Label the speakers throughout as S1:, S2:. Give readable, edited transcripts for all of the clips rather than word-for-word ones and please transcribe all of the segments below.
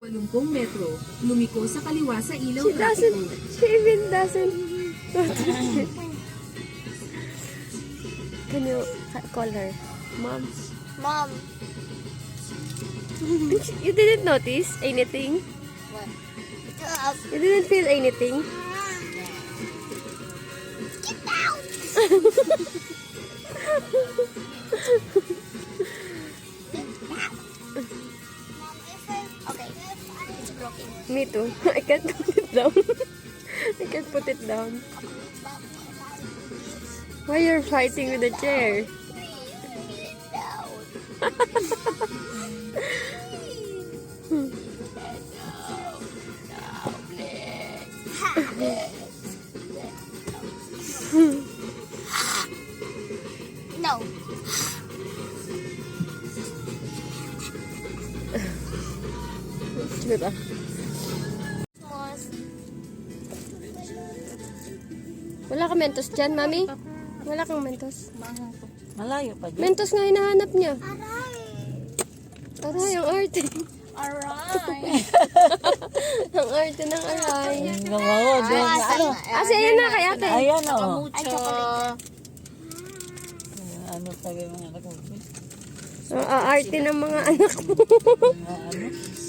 S1: 80 metro, lumiko sa kaliwa sa ilaw
S2: She even doesn't. Can you call her? Mom.
S3: Mom.
S2: You didn't notice anything?
S3: What?
S2: You didn't feel anything?
S3: Get down! Okay. It's broken.
S2: Me too. I can't put it down. I can't put it down. Why you're fighting with the chair?
S3: No.
S2: Diba? Wala ka mentos dyan, Mami? Wala kang mentos.
S4: Malayo pa dyan.
S2: Mentos nga hinahanap niya. Aray, ang arte.
S3: Aray.
S2: Ang arte ng aray.
S4: Ano?
S2: Ayan na kay ate.
S4: Ayan o.
S3: Ay, chocolate.
S4: Ano sabi mga anak ko?
S2: Ang aarte ng mga anak mo.
S4: Ano?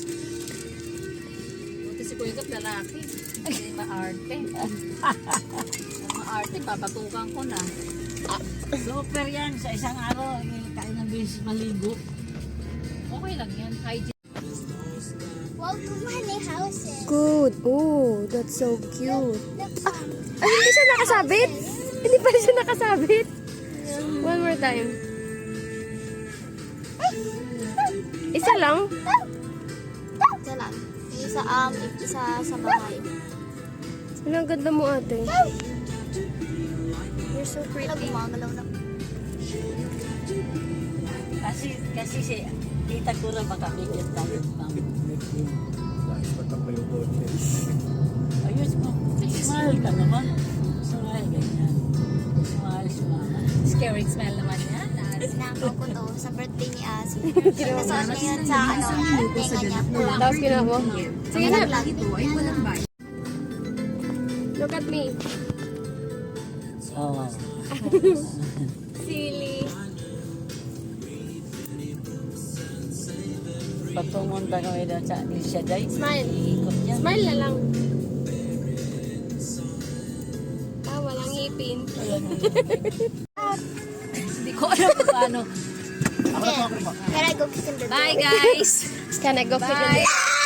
S1: Buti si Kuya Gap lalaki. Hindi maarte. Maarte, papatukan ko na.
S4: Super yan. Sa isang araw, kain ng beses maligo.
S1: Okay lang yan. Hygiene.
S3: Welcome to my house.
S2: Good. Oh, that's so cute. Ay, hindi siya nakasabit. Hindi pa siya nakasabit. One more time. Isa lang?
S3: Isa lang. Isa sa bahay.
S2: Ang ganda mo, ate. You're so pretty.
S3: Gumagalaw na.
S4: Kasi si tita ko na makapikit tayo. Ayos mo. Smile ka naman. Smile ganyan. Smile.
S1: Scary smell naman yan.
S3: Sinakaw ko to sa birthday ni Asi. Nasuot niya yun sa tenga niya.
S2: Tapos ginawa mo. Sige na.
S1: Ito ay walang bayan.
S2: Look at me.
S4: Oo.
S2: Silly.
S4: Patungon ta kami doon sa Alicia Day.
S2: Smile.
S4: Ikot yan.
S2: Smile na lang. Walang ngipin.
S1: Hindi ko alam kung paano.
S3: Can I go kiss him the
S1: Bye guys!
S2: Can I go fit in?